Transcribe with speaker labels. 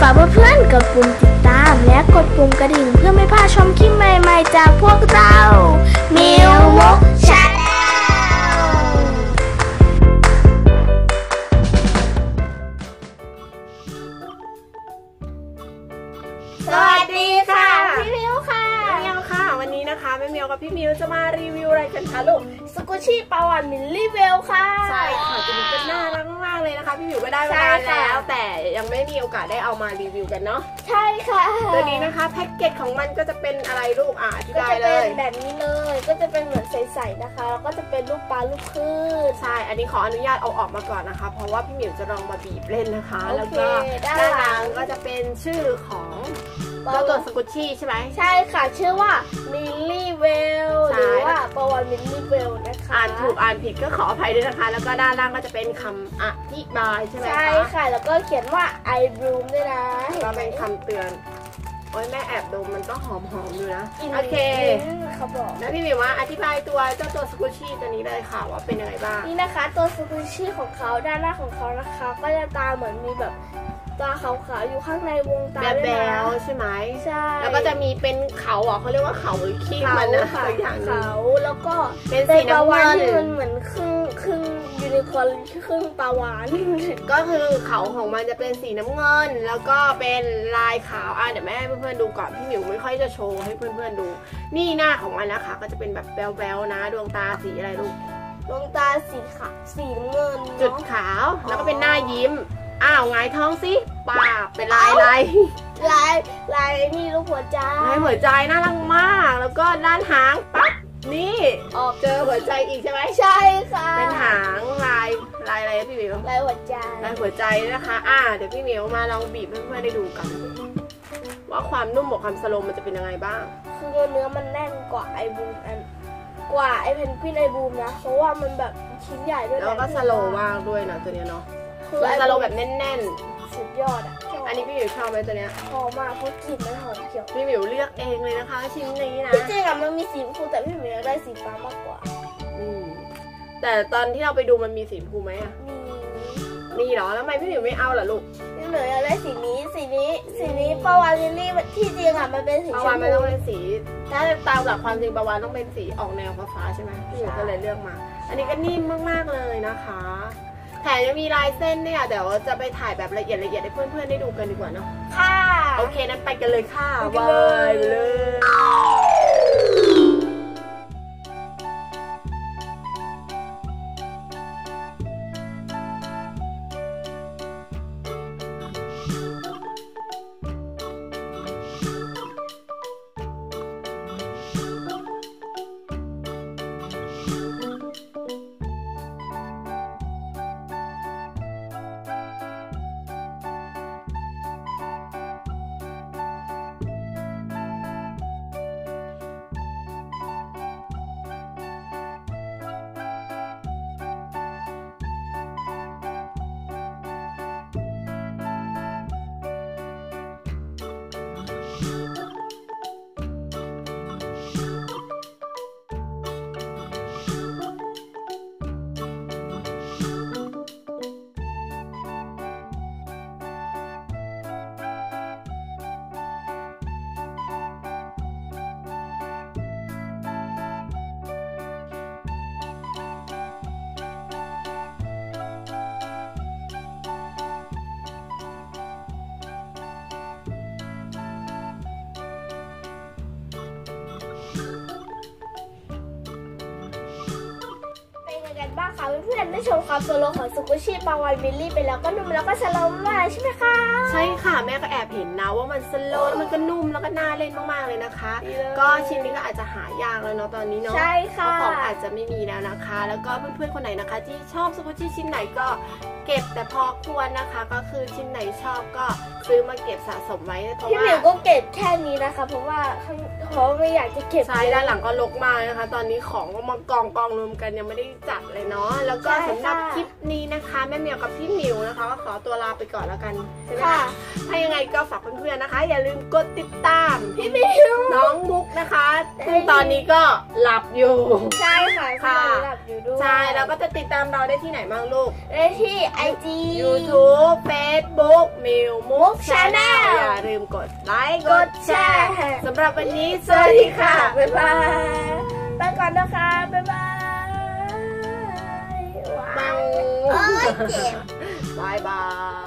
Speaker 1: ากเพื่อนๆกดปุ่มติดตามและกดปุ่มกระดิ่งเพื่อไม่พลาดชมคลิปใหม่ๆจากพวกเรามิวมุกชาแนลสวัสดีค่ะพี่มิวค่ะ
Speaker 2: แม่เมียวค่ะวันนี้นะคะแม่เมียวกับพี่มิวจะมารีวิวอะไรกันคะลูก
Speaker 1: สกุชี่ปลาหวานมิลลี่เวลค่ะ
Speaker 2: ใช่ค่ะตัวนี้ก็น่ารักมากเลยนะคะพี่มิวก็ได้มานานแล้วแต่ยังไม่มีโอกาสได้เอามารีวิวกันเนาะ
Speaker 1: ใช่ค่ะ
Speaker 2: ตัวนี้นะคะแพ็กเกจของมันก็จะเป็นอะไรลูกอธิบายเลย
Speaker 1: ก็จะเป็นแบบนี้เลยก็จะเป็นเหมือนใสๆนะคะแล้วก็จะเป็นลูกปลาลูกคลื่น
Speaker 2: ใช่อันนี้ขออนุญาตเอาออกมาก่อนนะคะเพราะว่าพี่มิวจะลองมาบีบเล่นนะคะแล้วก็ด้านหลังก็จะเป็นชื่อของเจ้าตัวสกุชชี่ใช่ไหม
Speaker 1: ใช่ค่ะชื่อว่ามิลลี่เวลหรือว่าปลาหวานมิลลี่เวลนะคะ
Speaker 2: อ่านถูกอ่านผิดก็ขออภัยด้วยนะคะแล้วก็ด้านล่างก็จะเป็นคำอธิบายใช่ไหมคะ
Speaker 1: ใช่ค่ะแล้วก็เขียนว่า I bloom ด้วยนะ
Speaker 2: ก็เป็นคำเตือนโอ้ยแม่แอบดมมันก็หอมๆอยู่นะโอเค
Speaker 1: เขาบอก
Speaker 2: แล้วพี่มิวว่าอธิบายตัวเจ้าตัวสกุชชี่ตัวนี้เลยค่ะว่าเป็นยังไงบ้าง
Speaker 1: นี่นะคะตัวสกุชชี่ของเขาด้านหน้าของเขานะคะก็จะตาเหมือนมีแบบตาขาวๆอยู่ข้างในวงตา
Speaker 2: แบบแบวใช่ไหม
Speaker 1: ใช่
Speaker 2: แล้วก็จะมีเป็นเขาเขาเรียกว่าเขาหรือขี้มันนะอย่าง
Speaker 1: เขาแล้วก็
Speaker 2: เป็นสีน้ำเงิน
Speaker 1: ที่มันเหมือนครึ่งยูนิคอร์นครึ่งปลาหวาน
Speaker 2: ก็คือเขาของมันจะเป็นสีน้ำเงินแล้วก็เป็นลายขาวเดี๋ยวแม่ให้เพื่อนๆดูก่อนพี่หมิวไม่ค่อยจะโชว์ให้เพื่อนๆดูนี่หน้าของมันนะคะก็จะเป็นแบบแบวๆนะดวงตาสีอะไรลูก
Speaker 1: ดวงตาสีขาวสีน้ำเงิน
Speaker 2: จุดขาวแล้วก็เป็นหน้ายิ้มไงท้องสิปากเป็นลาย
Speaker 1: นี่รูปหัวใจ
Speaker 2: ลายหัวใจน่ารักมากแล้วก็ด้านหางปั๊บนี่ออกเจอหัวใจอีกใช่ไหม
Speaker 1: ใช่ค่ะ
Speaker 2: เป็นหางลายอะไรพี่หมิว
Speaker 1: ลายหัวใจ
Speaker 2: นะคะเดี๋ยวพี่หมิวมาลองบีบให้เพื่อนๆได้ดูกันว่าความนุ่มกับความสโลมมันจะเป็นยังไงบ้าง
Speaker 1: คือเนื้อมันแน่นกว่าไอบูมกว่าไอเพนกวินไอบูมนะเพราะว่ามันแบบชิ้นใหญ่ด้วย
Speaker 2: แล้วก็สโลมากด้วยนะตัวเนี้ยเนาะคือสโลแบบแน่น
Speaker 1: ๆสุดยอด
Speaker 2: อันนี้พี่หมิวชอบไหมตัวเนี้ย
Speaker 1: ชอบมากเพราะกลิ่นมันหอมเขียว
Speaker 2: พี่หมิวเลือกเองเลยนะคะชิ้นนี้นะ
Speaker 1: จริงๆมันมีสีชมพูแต่พี่หมิวได้สีฟ้ามากกว่า
Speaker 2: แต่ตอนที่เราไปดูมันมีสีชมพูไหมมีเหรอแล้วทำไมพี่หมิวไม่เอาล่ะลูก
Speaker 1: พี่หมิวอยากได้สีนี้ปลาวานลิลลี่ที่จริงมันเป็นสีชมพู
Speaker 2: ปลาวานไม่ต้องเป็นสีถ้าตามหลักความจริงปลาวานต้องเป็นสีออกแนวฟ้าใช่ไหมพี่หมิวก็เลยเลือกมาอันนี้ก็นิ่มมากๆเลยนะคะแถมยังมีลายเส้นเนี่ยเดี๋ยวจะไปถ่ายแบบละเอียดให้เพื่อนๆได้ดูกันดีกว่าเนาะ
Speaker 1: ค่ะ
Speaker 2: โอเคนั้นไปกันเลยค่ะไปเลย
Speaker 1: บ้างค่ะเพื่อนๆได้ชมความโซโลของสกุชชี่ปลาวานมิลลี่ไปแล้วก็นุ่มแล้วก็สโลมากใช่ไหมคะ
Speaker 2: ใช่ค่ะแม่ก็แอบเห็นนะว่ามันสโลมมันก็นุ่มแล้วก็น่าเล่นมากๆเลยนะคะก็ชิ้นนี้ก็อาจจะหายากแล้วเนาะตอนนี้เนาะ
Speaker 1: ใช่ค่ะ
Speaker 2: ของอาจจะไม่มีแล้วนะคะแล้วก็เพื่อนๆคนไหนนะคะที่ชอบสกุชชี่ชิ้นไหนก็เก็บแต่พอควรนะคะก็คือชิ้นไหนชอบก็ซื้อมาเก็บสะสมไว้เพราะว่า
Speaker 1: พี่หมิวก็เก็บแค่นี้นะคะเพราะว่าไม่อยากจะเก็บ
Speaker 2: ใช่ด้านหลังก็รกมากนะคะตอนนี้ของก็มากองรวมกันยังไม่ได้จัดเลยเนาะแล้วก็สำหรับคลิปนี้นะคะแม่เหมียวกับพี่หมิวนะคะก็ขอตัวลาไปก่อนแล้วกันใช่ไหมคะถ้ายังไงก็ฝากเพื่อนๆนะคะ อย่าลืมกดติดตามพี่หมิวน้องมุกนะคะซึ่งตอนนี้ก็หลับอยู่
Speaker 1: ใช่ค่ะหลับอยู่ด้วย
Speaker 2: ใช่แล้วก็จะติดตามเราได้ที่ไหนบ้างลูก
Speaker 1: ได้ที่ IG
Speaker 2: YouTube Facebook มิวมุก Channel อย่าลืมกดไลค์กดแชร์สำหรับวันนี้สวัสดีค่ะบ๊ายบาย
Speaker 1: ไปก่อนนะคะบ๊ายบาย
Speaker 2: บายบาย